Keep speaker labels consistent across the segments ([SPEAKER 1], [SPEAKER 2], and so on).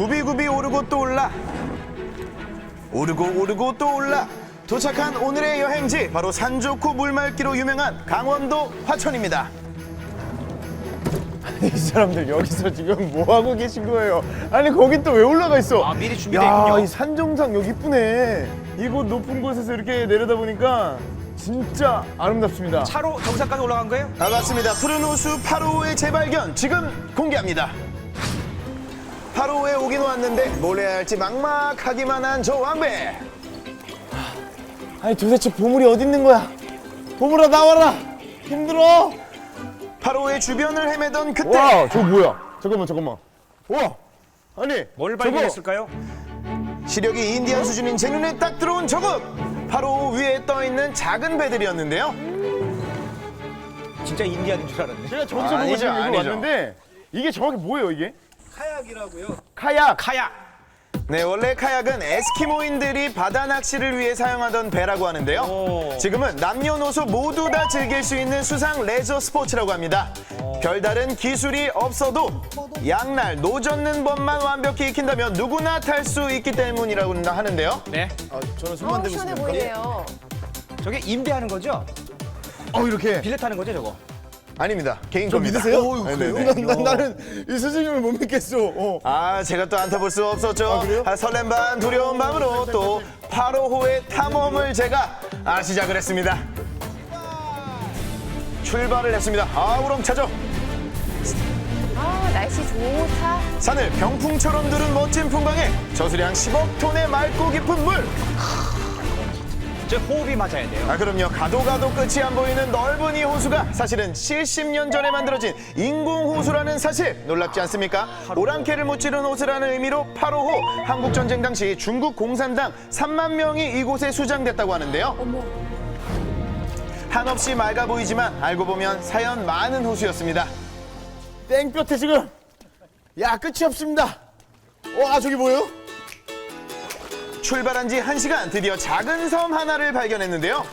[SPEAKER 1] 굽이굽이 오르고 또 올라 오르고 또 올라 도착한 오늘의 여행지 바로 산 좋고 물 맑기로 유명한 강원도 화천입니다.
[SPEAKER 2] 이 사람들 여기서 지금 뭐 하고 계신 거예요? 아니 거긴 또 왜 올라가 있어?
[SPEAKER 3] 아, 미리 준비돼 있군요.
[SPEAKER 2] 이 산 정상 여기 이쁘네. 이곳 높은 곳에서 이렇게 내려다 보니까 진짜 아름답습니다.
[SPEAKER 3] 차로 정상까지 올라간 거예요?
[SPEAKER 1] 반갑습니다. 푸른 호수 8호의 재발견 지금 공개합니다. 8호에 오긴 왔는데 뭘 해야 할지 막막하기만 한 저 왕배.
[SPEAKER 2] 아니 도대체 보물이 어디 있는 거야? 보물아 나와라. 힘들어.
[SPEAKER 1] 8호의 주변을 헤매던 그때
[SPEAKER 2] 와, 저거 뭐야? 잠깐만. 와, 아니
[SPEAKER 3] 뭘
[SPEAKER 2] 저거
[SPEAKER 3] 발견했을까요?
[SPEAKER 1] 시력이 인디안 수준인 제 눈에 딱 들어온 저것 바로 위에 떠있는 작은 배들이었는데요.
[SPEAKER 3] 진짜 인디안인 줄 알았네.
[SPEAKER 2] 제가 저기서 보고
[SPEAKER 1] 아니죠,
[SPEAKER 2] 지금 이거
[SPEAKER 1] 아니죠.
[SPEAKER 2] 왔는데 이게 정확히 뭐예요 이게?
[SPEAKER 4] 카약이라고요.
[SPEAKER 2] 카약.
[SPEAKER 3] 카약.
[SPEAKER 1] 네, 원래 카약은 에스키모인들이 바다 낚시를 위해 사용하던 배라고 하는데요.
[SPEAKER 3] 오.
[SPEAKER 1] 지금은 남녀노소 모두 다 즐길 수 있는 수상 레저 스포츠라고 합니다. 별다른 기술이 없어도 양날 노젓는 법만 완벽히 익힌다면 누구나 탈 수 있기 때문이라고 하는데요.
[SPEAKER 3] 네.
[SPEAKER 2] 저는 손만 대고
[SPEAKER 5] 시원해
[SPEAKER 2] 있습니다.
[SPEAKER 5] 보이네요.
[SPEAKER 3] 저게 임대하는 거죠?
[SPEAKER 2] 이렇게.
[SPEAKER 3] 빌려 타는 거죠, 저거?
[SPEAKER 1] 아닙니다. 개인
[SPEAKER 2] 저
[SPEAKER 1] 겁니다.
[SPEAKER 2] 믿으세요?
[SPEAKER 1] 네, 네, 네.
[SPEAKER 2] 나는 이 선생님을 못 믿겠어.
[SPEAKER 1] 아, 제가 또 안 타볼 수 없었죠.
[SPEAKER 2] 그래요?
[SPEAKER 1] 설렘 반 두려운 마음으로 또 8호호의 탐험을 제가 시작을 했습니다. 출발을 했습니다. 우렁차죠.
[SPEAKER 5] 날씨 좋다.
[SPEAKER 1] 산을 병풍처럼 두른 멋진 풍광에 저수량 10억 톤의 맑고 깊은 물.
[SPEAKER 3] 저 호흡이 맞아야 돼요.
[SPEAKER 1] 그럼요. 가도 끝이 안 보이는 넓은 이 호수가 사실은 70년 전에 만들어진 인공호수라는 사실 놀랍지 않습니까? 오랑캐를 무찌른 호수라는 의미로 8호호. 한국전쟁 당시 중국 공산당 3만 명이 이곳에 수장됐다고 하는데요. 한없이 맑아 보이지만 알고 보면 사연 많은 호수였습니다.
[SPEAKER 2] 땡볕에 지금 끝이 없습니다. 저기 뭐예요?
[SPEAKER 1] 출발한 지 1시간 드디어 작은 섬 하나를 발견했는데요.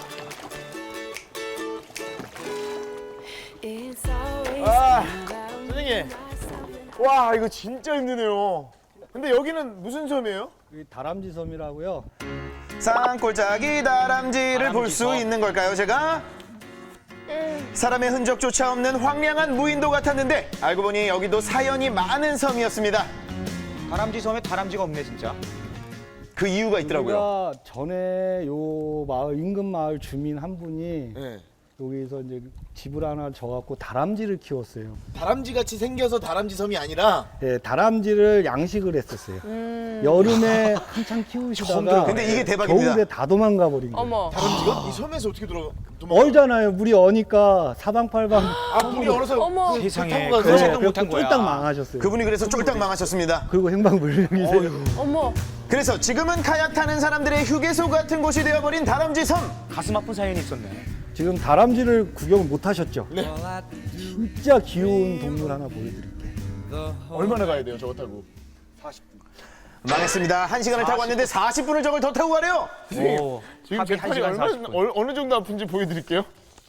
[SPEAKER 2] 선생님. 와, 이거 진짜 힘드네요. 근데 여기는 무슨 섬이에요?
[SPEAKER 4] 여기 다람쥐 섬이라고요.
[SPEAKER 1] 산골짜기 다람쥐를 볼 수 있는 걸까요, 제가? 사람의 흔적조차 없는 황량한 무인도 같았는데 알고 보니 여기도 사연이 많은 섬이었습니다.
[SPEAKER 3] 다람쥐 섬에 다람쥐가 없네, 진짜.
[SPEAKER 1] 그 이유가 있더라고요.
[SPEAKER 4] 우리가 전에 요 마을 인근 마을 주민 한 분이
[SPEAKER 2] 네.
[SPEAKER 4] 여기서 이제 집을 하나 져갖고 다람쥐를 키웠어요.
[SPEAKER 2] 다람쥐 같이 생겨서 다람쥐 섬이 아니라
[SPEAKER 4] 예, 다람쥐를 양식을 했었어요. 여름에 한창 키우시다가
[SPEAKER 1] 근데 이게 대박입니다.
[SPEAKER 4] 겨울에 다 도망가 버린 거예요.
[SPEAKER 5] 어머.
[SPEAKER 2] 다람쥐가 이 섬에서 어떻게 도망가?
[SPEAKER 4] 얼잖아요. 물이 어니까 사방팔방.
[SPEAKER 2] 물이 얼어서
[SPEAKER 5] 어머.
[SPEAKER 3] 세상에.
[SPEAKER 2] 타고
[SPEAKER 3] 그
[SPEAKER 2] 가서
[SPEAKER 3] 생각 못한
[SPEAKER 4] 그래갖고
[SPEAKER 3] 거야.
[SPEAKER 4] 쫄딱 망하셨어요.
[SPEAKER 1] 그분이 그래서 쫄딱 망하셨습니다.
[SPEAKER 4] 그리고 행방불명이세요.
[SPEAKER 5] 어머.
[SPEAKER 1] 그래서 지금은 카약 타는 사람들의 휴게소 같은 곳이 되어버린 다람쥐 섬.
[SPEAKER 3] 가슴 아픈 사연이 있었네.
[SPEAKER 4] 지금 다람쥐를 구경을 못 하셨죠? 네. 진짜 귀여운 동물 하나 보여드릴게요.
[SPEAKER 2] 얼마나 가야 돼요, 저거 타고?
[SPEAKER 1] 망했습니다. 1시간을 타고 왔는데 40분을 저걸 더 타고 가래요.
[SPEAKER 3] 오,
[SPEAKER 2] 지금
[SPEAKER 3] 합의
[SPEAKER 2] 제 팔이
[SPEAKER 3] 1시간 40분.
[SPEAKER 2] 어느 정도 아픈지 보여드릴게요.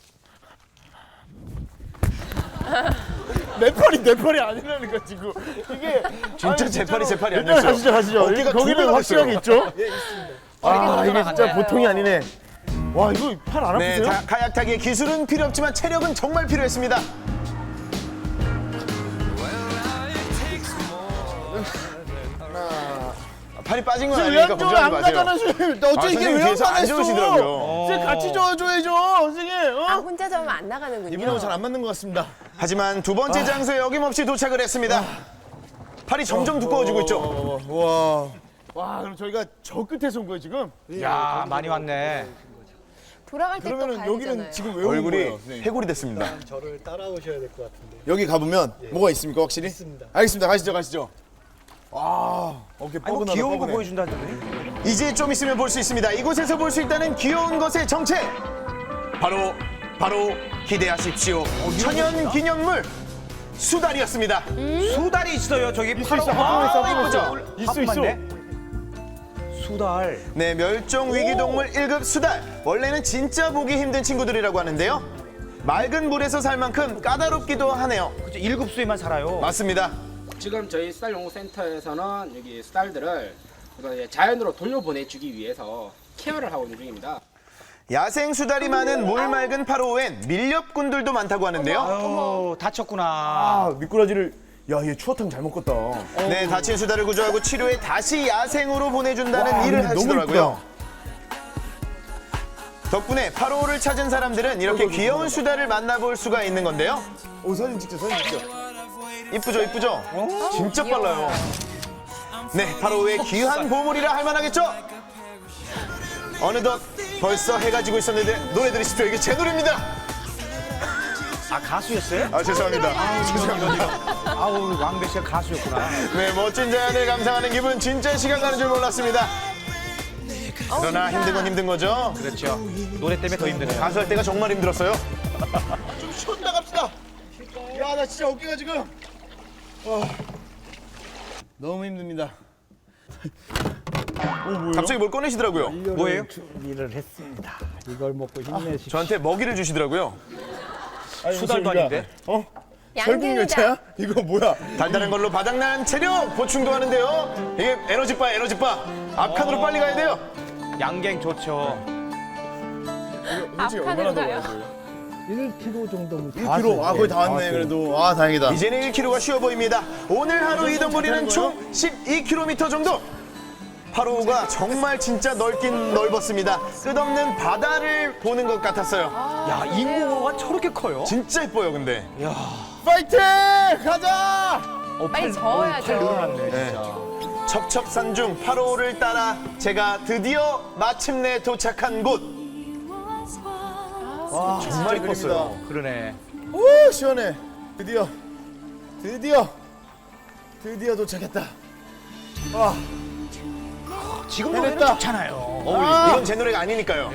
[SPEAKER 2] 내 팔이 아니라는 거 지금 이게
[SPEAKER 1] 진짜
[SPEAKER 2] 아니,
[SPEAKER 1] 제 팔이 제 팔이
[SPEAKER 2] 일단
[SPEAKER 1] 아니었어요.
[SPEAKER 2] 가시죠.
[SPEAKER 1] 어깨가 두
[SPEAKER 2] 거기는
[SPEAKER 1] 배가
[SPEAKER 2] 확실하게 있죠?
[SPEAKER 5] 이렇게
[SPEAKER 2] 이게 진짜
[SPEAKER 5] 돌아가네요.
[SPEAKER 2] 보통이 아니네. 와, 이거 팔 안
[SPEAKER 1] 네,
[SPEAKER 2] 아프세요?
[SPEAKER 1] 카약 타기에 기술은 필요 없지만 체력은 정말 필요했습니다. 팔이 빠진 건 아니니까
[SPEAKER 2] 왜안
[SPEAKER 1] 걱정하지
[SPEAKER 2] 안
[SPEAKER 1] 마세요.
[SPEAKER 2] 가잖아, 선생님. 어째 이게
[SPEAKER 1] 선생님
[SPEAKER 2] 왜안
[SPEAKER 1] 뒤에서 안
[SPEAKER 2] 가냈어?
[SPEAKER 1] 좋으시더라고요.
[SPEAKER 2] 선생님 같이 저어줘야죠, 선생님.
[SPEAKER 5] 혼자 자면 안 나가는군요.
[SPEAKER 2] 이분하고 잘 안 맞는 것 같습니다.
[SPEAKER 1] 하지만 두 번째 장소에 어김없이 도착을 했습니다. 팔이 점점 두꺼워지고 있죠.
[SPEAKER 2] 와, 그럼 저희가 저 끝에서 온 거예요, 지금?
[SPEAKER 3] 야, 많이 왔네.
[SPEAKER 5] 돌아갈 때 또
[SPEAKER 2] 그러면은
[SPEAKER 5] 가야
[SPEAKER 2] 여기는
[SPEAKER 5] 되잖아요.
[SPEAKER 2] 지금 왜 온
[SPEAKER 1] 얼굴이
[SPEAKER 2] 거예요, 선생님?
[SPEAKER 1] 해골이 됐습니다.
[SPEAKER 4] 저를 따라오셔야 될 것 같은데.
[SPEAKER 2] 여기 가보면 뭐가 있습니까, 확실히?
[SPEAKER 4] 있습니다.
[SPEAKER 2] 알겠습니다. 가시죠. 어깨
[SPEAKER 3] 아니, 뭐
[SPEAKER 2] 뻐근하다,
[SPEAKER 3] 귀여운 거
[SPEAKER 2] 뻐근해.
[SPEAKER 3] 보여준다는데.
[SPEAKER 1] 이제 좀 있으면 볼 수 있습니다. 이곳에서 볼 수 있다는 귀여운 것의 정체. 바로 기대하십시오. 천연 기념물 수달이었습니다.
[SPEAKER 3] 수달이 있어요, 저기.
[SPEAKER 2] 있어, 합성했어,
[SPEAKER 1] 이쁘죠?
[SPEAKER 2] 있어.
[SPEAKER 3] 수달.
[SPEAKER 1] 네, 멸종 위기 동물 1급 수달. 원래는 진짜 보기 힘든 친구들이라고 하는데요. 맑은 물에서 살 만큼 까다롭기도 하네요.
[SPEAKER 3] 그죠, 1급수에만 살아요.
[SPEAKER 1] 맞습니다.
[SPEAKER 6] 지금 저희 수달 연구센터에서는 여기 수달들을 자연으로 돌려보내주기 위해서 케어를 하고 있는 중입니다.
[SPEAKER 1] 야생 수달이 많은 물 맑은 파로우엔 밀렵꾼들도 많다고 하는데요.
[SPEAKER 3] 아유, 다쳤구나.
[SPEAKER 2] 아, 미꾸라지를 야, 얘 추어탕 잘 먹겠다.
[SPEAKER 1] 네, 다친 수달을 구조하고 치료해 다시 야생으로 보내준다는
[SPEAKER 2] 와,
[SPEAKER 1] 일을
[SPEAKER 2] 근데 너무
[SPEAKER 1] 하시더라고요. 덕분에 파로우를 찾은 사람들은 이렇게 귀여운 수달을 만나볼 수가 있는 건데요.
[SPEAKER 2] 오, 사진 찍자, 사진 찍자.
[SPEAKER 1] 이쁘죠, 이쁘죠? 진짜 빨라요. 네, 파로우의 귀한 보물이라 할 만하겠죠? 어느덧 벌써 해가 지고 있었는데 노래 들으십시오. 이게 제 노래입니다.
[SPEAKER 3] 아, 가수였어요?
[SPEAKER 1] 아, 죄송합니다. 죄송합니다.
[SPEAKER 3] 아우, 왕배 씨가 가수였구나.
[SPEAKER 1] 네, 멋진 자연을 감상하는 기분 진짜 시간 가는 줄 몰랐습니다. 그러나 힘든 건 힘든 거죠.
[SPEAKER 3] 그렇죠. 노래 때문에 더 힘드네요.
[SPEAKER 1] 가수할 때가 정말 힘들었어요.
[SPEAKER 2] 좀 쉬었다 갑시다. 야, 나 진짜 어깨가 지금. 너무 힘듭니다.
[SPEAKER 1] 갑자기 뭘 꺼내시더라고요.
[SPEAKER 3] 뭐예요?
[SPEAKER 4] 준비를 했습니다. 이걸 먹고 힘내십시오.
[SPEAKER 1] 저한테 먹이를 주시더라고요.
[SPEAKER 3] 수달도 아닌데?
[SPEAKER 5] 양갱이다.
[SPEAKER 2] 설국열차야? 이거 뭐야?
[SPEAKER 1] 달달한 걸로 바닥난 체력 보충도 하는데요. 이게 에너지바, 에너지바. 앞칸으로 빨리 가야 돼요.
[SPEAKER 3] 양갱 좋죠.
[SPEAKER 2] 솔직히
[SPEAKER 5] 앞칸으로
[SPEAKER 2] 얼마나 더
[SPEAKER 5] 가요?
[SPEAKER 2] 가야 돼요?
[SPEAKER 4] 1kg 정도면
[SPEAKER 2] 1kg. 아, 거의 다 왔네, 그래도. 아, 다행이다.
[SPEAKER 1] 이제는 1km가 쉬워 보입니다. 오늘 하루 이동 거리는 총 12km 정도. 파로우가 정말 진짜 넓긴 넓었습니다. 끝없는 바다를 보는 것 같았어요.
[SPEAKER 3] 야, 인공호가 저렇게 커요?
[SPEAKER 1] 진짜 예뻐요, 근데.
[SPEAKER 2] 파이팅! 가자!
[SPEAKER 5] 빨리 저어야죠.
[SPEAKER 3] 팔 늘어났네,
[SPEAKER 1] 네.
[SPEAKER 3] 진짜.
[SPEAKER 1] 첩첩산중 파로우를 따라 제가 드디어 마침내 도착한 곳.
[SPEAKER 2] 와,
[SPEAKER 1] 정말 이뻤어요.
[SPEAKER 3] 그러네.
[SPEAKER 2] 오, 시원해. 드디어 도착했다. 와,
[SPEAKER 3] 지금
[SPEAKER 2] 해냈다.
[SPEAKER 3] 노래는 좋잖아요.
[SPEAKER 1] 이건 제 노래가 아니니까요.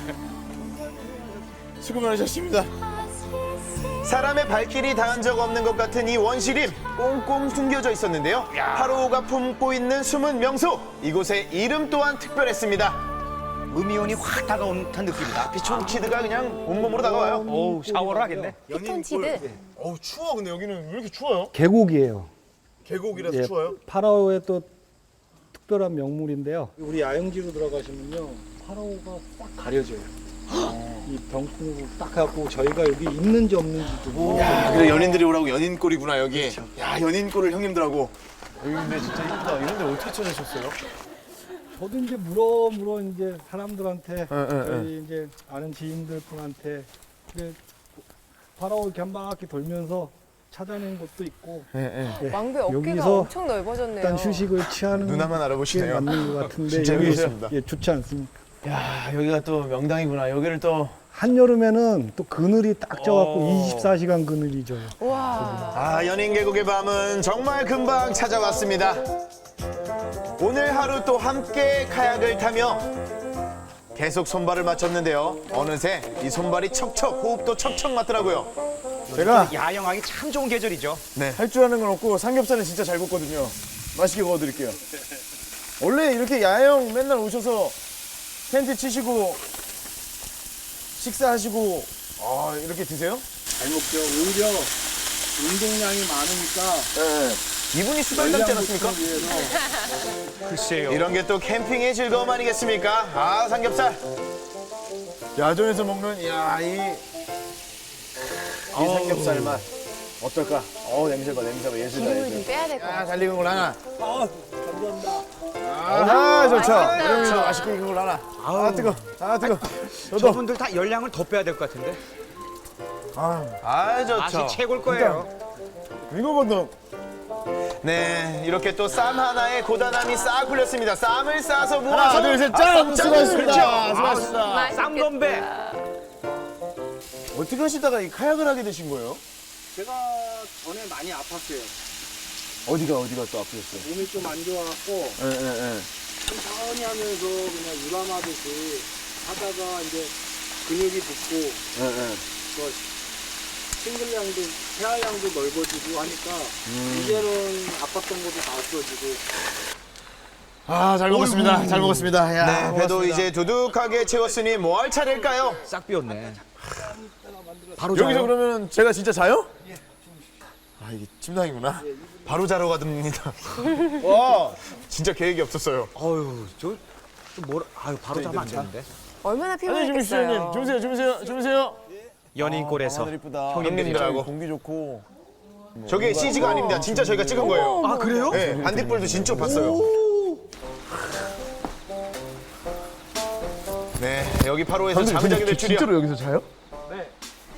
[SPEAKER 2] 수고 많으셨습니다.
[SPEAKER 1] 사람의 발길이 닿은 적 없는 것 같은 이 원시림 꽁꽁 숨겨져 있었는데요. 파로우가 품고 있는 숨은 명소. 이곳의 이름 또한 특별했습니다.
[SPEAKER 3] 음이온이 확 다가온 듯한 느낌이다.
[SPEAKER 1] 피톤치드가 그냥 온몸으로 다가와요.
[SPEAKER 3] 어우, 샤워를 하겠네.
[SPEAKER 5] 피톤치드.
[SPEAKER 2] 어우, 추워. 근데 여기는 왜 이렇게 추워요?
[SPEAKER 4] 계곡이에요.
[SPEAKER 2] 계곡이라서
[SPEAKER 4] 예,
[SPEAKER 2] 추워요?
[SPEAKER 4] 파라오의 또 특별한 명물인데요. 우리 야영지로 들어가시면요, 파라오가 싹 가려져요. 이 병풍으로 딱 해갖고 저희가 여기 있는지 없는지도
[SPEAKER 2] 야, 그래 연인들이 오라고 연인골이구나 여기. 야, 연인골을 형님들하고. 여기 근데 진짜 이쁘다. 이런 데 어떻게 찾으셨어요?
[SPEAKER 4] 저도 이제 물어 이제 사람들한테 저희 이제 아는 지인들 분한테 이제 파라오 이렇게 한 바퀴 돌면서 찾아낸 것도 있고 예,
[SPEAKER 5] 왕배 어깨가
[SPEAKER 4] 여기서
[SPEAKER 5] 엄청 넓어졌네요.
[SPEAKER 4] 일단 휴식을 취하는
[SPEAKER 1] 누나만
[SPEAKER 4] 게
[SPEAKER 1] 알아보시네요.
[SPEAKER 4] 맞는 것 같은데
[SPEAKER 1] 진짜
[SPEAKER 4] 여기
[SPEAKER 1] 재밌습니다.
[SPEAKER 4] 예, 좋지 않습니까?
[SPEAKER 2] 야, 여기가 또 명당이구나. 여기를 또.
[SPEAKER 4] 한여름에는 또 그늘이 딱 져갖고 24시간 그늘이 져요.
[SPEAKER 5] 와.
[SPEAKER 1] 아, 연인 계곡의 밤은 정말 금방 찾아왔습니다. 오늘 하루 또 함께 카약을 타며 계속 손발을 맞췄는데요. 어느새 이 손발이 척척, 호흡도 척척 맞더라고요.
[SPEAKER 2] 제가
[SPEAKER 3] 야영하기 참 좋은 계절이죠.
[SPEAKER 2] 할 줄 아는 건 없고 삼겹살은 진짜 잘 굽거든요. 맛있게 구워드릴게요. 원래 이렇게 야영 맨날 오셔서 텐트 치시고 식사하시고 이렇게 드세요?
[SPEAKER 4] 잘 먹죠. 오히려 운동량이 많으니까
[SPEAKER 2] 네.
[SPEAKER 1] 이분이 수달 닮지 않았습니까?
[SPEAKER 3] 글쎄요.
[SPEAKER 1] 이런 게 또 캠핑의 즐거움 아니겠습니까? 아, 삼겹살.
[SPEAKER 2] 야전에서 먹는 이 삼겹살 맛 어떨까? 냄새가 예술이다.
[SPEAKER 5] 기름을 좀 빼야 될 것 같아요.
[SPEAKER 2] 잘 익은 걸 하나. 감사합니다. 좋죠.
[SPEAKER 5] 맛있다.
[SPEAKER 2] 맛있게 익은 걸 하나. 뜨거. 뜨거. 저도.
[SPEAKER 3] 저분들 다 열량을 더 빼야 될 것 같은데.
[SPEAKER 1] 아, 좋죠.
[SPEAKER 3] 맛이 최고일 거예요.
[SPEAKER 2] 이거보다
[SPEAKER 1] 네, 이렇게 또 쌈 하나에 고단함이 싹 풀렸습니다. 쌈을 싸서 모아서
[SPEAKER 2] 하나, 둘, 셋, 짠! 수고하셨습니다.
[SPEAKER 1] 그렇죠.
[SPEAKER 2] 수고하셨습니다.
[SPEAKER 3] 쌈건배.
[SPEAKER 2] 어떻게 하시다가 이 카약을 하게 되신 거예요?
[SPEAKER 4] 제가 전에 많이 아팠어요.
[SPEAKER 2] 어디가 또 아프셨어요?
[SPEAKER 4] 몸이 좀 안 좋아갖고
[SPEAKER 2] 예.
[SPEAKER 4] 천천히 하면서 그냥 유람하듯이 하다가 이제 근육이 붙고 그 싱글량도 폐활량도 넓어지고 하니까 이제는 아팠던 것도 다 없어지고
[SPEAKER 2] 잘 먹었습니다. 잘 먹었습니다. 야,
[SPEAKER 1] 네, 배도
[SPEAKER 2] 고맙습니다.
[SPEAKER 1] 이제 두둑하게 채웠으니 뭐 할 차례일까요?
[SPEAKER 3] 싹 비었네. 바로
[SPEAKER 2] 여기서
[SPEAKER 3] 자요?
[SPEAKER 2] 그러면 제가 진짜 자요? 이게 침낭이구나.
[SPEAKER 1] 바로 자러 가듭니다.
[SPEAKER 2] 와.
[SPEAKER 1] 진짜 계획이 없었어요.
[SPEAKER 3] 어휴, 뭐라, 아유, 바로 자면 안 되는데.
[SPEAKER 5] 얼마나
[SPEAKER 2] 아니 주무시죠
[SPEAKER 5] 피곤했겠어요.
[SPEAKER 2] 형님. 주무세요.
[SPEAKER 3] 연인골에서
[SPEAKER 2] 하늘 이쁘다.
[SPEAKER 1] 형님들하고.
[SPEAKER 2] 공기 좋고.
[SPEAKER 1] 저게 CG가 아닙니다. 진짜 저희가 찍은 거예요.
[SPEAKER 3] 아, 그래요?
[SPEAKER 1] 네, 반딧불도 진짜 봤어요. 네, 여기 8호에서 잠을 자게 될 줄이야.
[SPEAKER 2] 진짜로 여기서 자요? 네.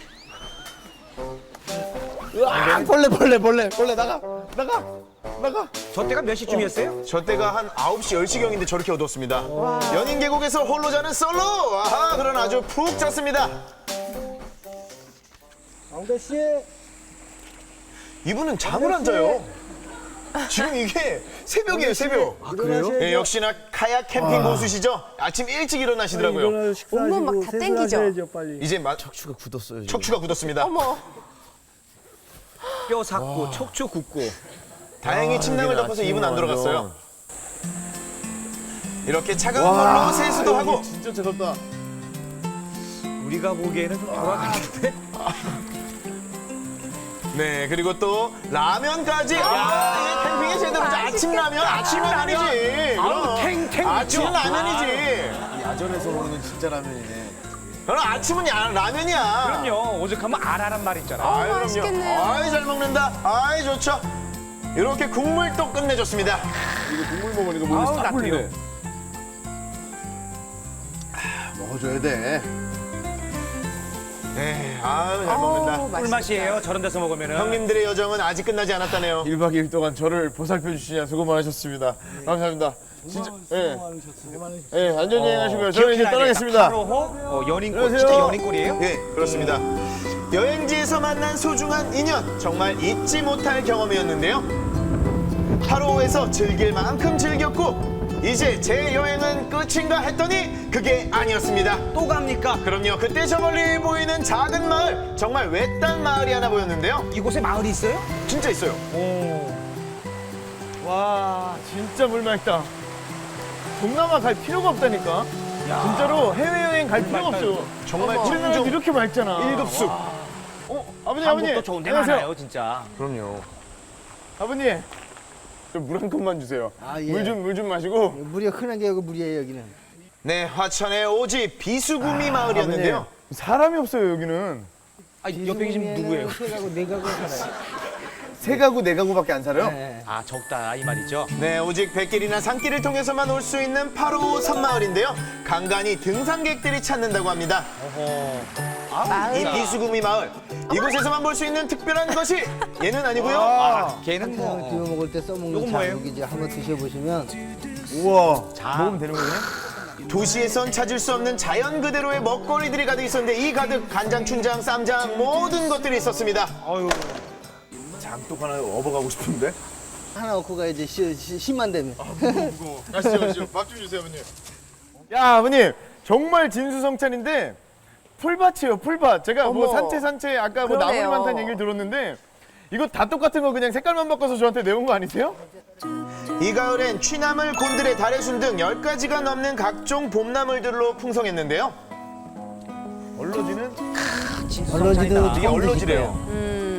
[SPEAKER 2] 으아, 벌레 나가.
[SPEAKER 3] 저 때가 몇 시쯤이었어요?
[SPEAKER 1] 저 때가 한 9시, 10시경인데 저렇게 어두웠습니다. 연인 계곡에서 홀로 자는 솔로! 아하, 그런 아주 푹 잤습니다.
[SPEAKER 4] 왕대 씨.
[SPEAKER 1] 이분은 잠을 안 자요. 지금 이게 새벽이에요, 새벽.
[SPEAKER 4] 아, 그래요?
[SPEAKER 1] 네, 역시나 카약 캠핑 고수시죠? 아침 일찍 일어나시더라고요.
[SPEAKER 4] 일어나서 식사하시고
[SPEAKER 5] 온몸 막다 땡기죠?
[SPEAKER 4] 세수하셔야죠, 빨리.
[SPEAKER 1] 이제
[SPEAKER 2] 척추가 굳었어요. 지금.
[SPEAKER 1] 척추가 굳었습니다.
[SPEAKER 5] 어머.
[SPEAKER 3] 뼈 삭고, 척추 굽고.
[SPEAKER 1] 다행히 침낭을
[SPEAKER 2] 여기는
[SPEAKER 1] 덮어서 입은 안
[SPEAKER 2] 아침에
[SPEAKER 1] 들어갔어요. 이렇게 차가운 물로 세수도 하고
[SPEAKER 2] 진짜 차갑다.
[SPEAKER 3] 우리가 보기에는 좀 돌아가는데.
[SPEAKER 1] 네, 그리고 또 라면까지. 야, 이게 캠핑의 제대로 아침 라면, 아침은 아니지.
[SPEAKER 3] 아우, 탱탱
[SPEAKER 1] 아침
[SPEAKER 3] 있죠?
[SPEAKER 1] 라면이지.
[SPEAKER 2] 야전에서 먹는 진짜 라면이네.
[SPEAKER 1] 그럼 아침은 라면이야.
[SPEAKER 3] 그럼요. 오죽하면 알아란 말 있잖아.
[SPEAKER 1] 아이, 그럼요.
[SPEAKER 5] 맛있겠네요.
[SPEAKER 1] 아이, 잘 먹는다. 아이, 좋죠. 이렇게 국물 또 끝내줬습니다.
[SPEAKER 2] 이거 국물 먹으니까 몸이
[SPEAKER 3] 아우,
[SPEAKER 2] 싹
[SPEAKER 3] 나
[SPEAKER 2] 풀리네.
[SPEAKER 3] 그래요.
[SPEAKER 2] 먹어줘야 돼.
[SPEAKER 1] 네, 아유, 잘 먹는다.
[SPEAKER 5] 어우, 맛있겠다.
[SPEAKER 3] 꿀맛이에요. 저런 데서 먹으면은.
[SPEAKER 1] 형님들의 여정은 아직 끝나지 않았다네요.
[SPEAKER 2] 1박 2일 동안 저를 보살펴 주시냐 수고 많으셨습니다. 감사합니다. 진짜 예. 예, 안전여행 하시고요. 저는 이제 떠나겠습니다.
[SPEAKER 3] 8호 연인골.
[SPEAKER 2] 안녕하세요.
[SPEAKER 3] 진짜 연인골이에요?
[SPEAKER 1] 네, 그렇습니다. 여행지에서 만난 소중한 인연, 정말 잊지 못할 경험이었는데요. 8호에서 즐길 만큼 즐겼고 이제 제 여행은 끝인가 했더니 그게 아니었습니다.
[SPEAKER 3] 또 갑니까?
[SPEAKER 1] 그럼요, 그때 저 멀리 보이는 작은 마을, 정말 외딴 마을이 하나 보였는데요.
[SPEAKER 3] 이곳에 마을이 있어요?
[SPEAKER 1] 진짜 있어요.
[SPEAKER 2] 와, 진짜 물 맑다. 동남아 갈 필요가 없다니까. 진짜로 해외여행 갈 필요가 없어요.
[SPEAKER 1] 정말
[SPEAKER 2] 우리나라
[SPEAKER 1] 청정
[SPEAKER 2] 이렇게 맑잖아.
[SPEAKER 1] 일급수.
[SPEAKER 2] 아버님,
[SPEAKER 3] 한국도 좋은 데
[SPEAKER 2] 안녕하세요.
[SPEAKER 3] 많아요, 진짜.
[SPEAKER 1] 그럼요.
[SPEAKER 2] 아버님, 물 한 컵만 주세요.
[SPEAKER 7] 아, 예.
[SPEAKER 2] 물 좀 마시고.
[SPEAKER 7] 물이 흔한 게 여기 물이에요, 여기는.
[SPEAKER 1] 네, 화천의 오지 비수구미 마을이었는데요.
[SPEAKER 2] 아버님, 사람이 없어요 여기는.
[SPEAKER 3] 아, 옆에 계신 누구예요?
[SPEAKER 7] 세 가구, 네 가구 살아요.
[SPEAKER 2] 세 가구 네 가구밖에 안 살아요?
[SPEAKER 7] 네.
[SPEAKER 3] 아, 적다 이 말이죠.
[SPEAKER 1] 네, 오직 백길이나 산길을 통해서만 올 수 있는 8호 섬마을인데요. 간간히 등산객들이 찾는다고 합니다. 이 비수구미 마을, 이곳에서만 볼 수 있는 특별한 것이 얘는 아니고요.
[SPEAKER 3] 걔는
[SPEAKER 7] 한탕을
[SPEAKER 3] 뭐.
[SPEAKER 7] 비워 먹을 때 써먹는
[SPEAKER 3] 요건 뭐예요?
[SPEAKER 7] 자국이지. 한번 드셔보시면
[SPEAKER 2] 우와.
[SPEAKER 3] 자.
[SPEAKER 2] 먹으면 되는 거네?
[SPEAKER 1] 도시에선 찾을 수 없는 자연 그대로의 먹거리들이 가득 있었는데 이 가득 간장, 춘장, 쌈장 모든 것들이 있었습니다.
[SPEAKER 2] 장독 하나 업어가고 싶은데?
[SPEAKER 7] 하나 얻고 가야지. 힘만 되면.
[SPEAKER 2] 가시죠. 밥 좀 주세요, 아버님. 야, 아버님. 정말 진수성찬인데 풀밭이에요, 풀밭. 제가 뭐
[SPEAKER 5] 어머.
[SPEAKER 2] 산채 아까 뭐 나물이
[SPEAKER 5] 그러네요.
[SPEAKER 2] 많다는 얘기를 들었는데 이거 다 똑같은 거 그냥 색깔만 바꿔서 저한테 내온 거 아니세요?
[SPEAKER 1] 이 가을엔 취나물, 곤드레, 다래순 등 10가지가 넘는 각종 봄나물들로 풍성했는데요.
[SPEAKER 2] 얼러지는
[SPEAKER 7] 얼러지도
[SPEAKER 1] 이게 얼러지래요.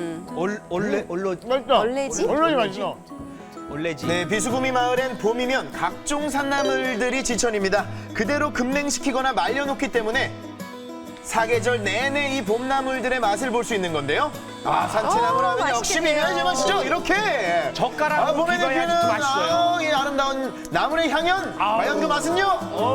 [SPEAKER 2] 맛있다.
[SPEAKER 5] 얼레지?
[SPEAKER 2] 얼러지 맛있어.
[SPEAKER 3] 원래지.
[SPEAKER 1] 네, 비수구미 마을엔 봄이면 각종 산나물들이 지천입니다. 그대로 급냉시키거나 말려놓기 때문에 사계절 내내 이 봄나물들의 맛을 볼 수 있는 건데요. 산채나물 하면 역시
[SPEAKER 5] 맛있겠네요.
[SPEAKER 1] 비벼야지 맛이죠. 이렇게.
[SPEAKER 3] 젓가락으로
[SPEAKER 1] 봄에
[SPEAKER 3] 비벼야지
[SPEAKER 1] 느끼는
[SPEAKER 3] 또 맛있어요.
[SPEAKER 1] 이 아름다운 나물의 향연. 과연 그 맛은요?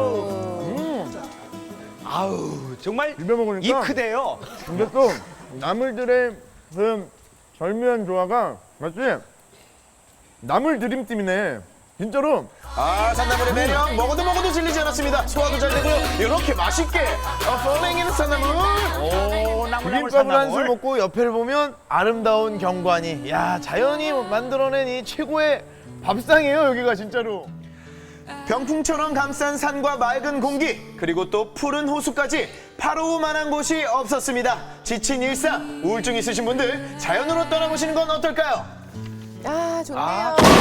[SPEAKER 3] 아우, 정말
[SPEAKER 2] 비벼 먹으니까
[SPEAKER 3] 입 크대요.
[SPEAKER 2] 근데 또 나물들의 그 절묘한 조화가 맞지? 나물 드림팀이네. 진짜로
[SPEAKER 1] 산나물의 매력 먹어도 질리지 않았습니다. 소화도 잘 되고요. 이렇게 맛있게 펄링이는 산나물.
[SPEAKER 3] 오, 나물
[SPEAKER 2] 비빔밥을 한 술 먹고 옆에를 보면 아름다운 경관이. 야, 자연이 만들어낸 이 최고의 밥상이에요 여기가 진짜로.
[SPEAKER 1] 병풍처럼 감싼 산과 맑은 공기 그리고 또 푸른 호수까지 8호만한 곳이 없었습니다. 지친 일상, 우울증 있으신 분들 자연으로 떠나보시는 건 어떨까요?
[SPEAKER 5] 아, 좋네요.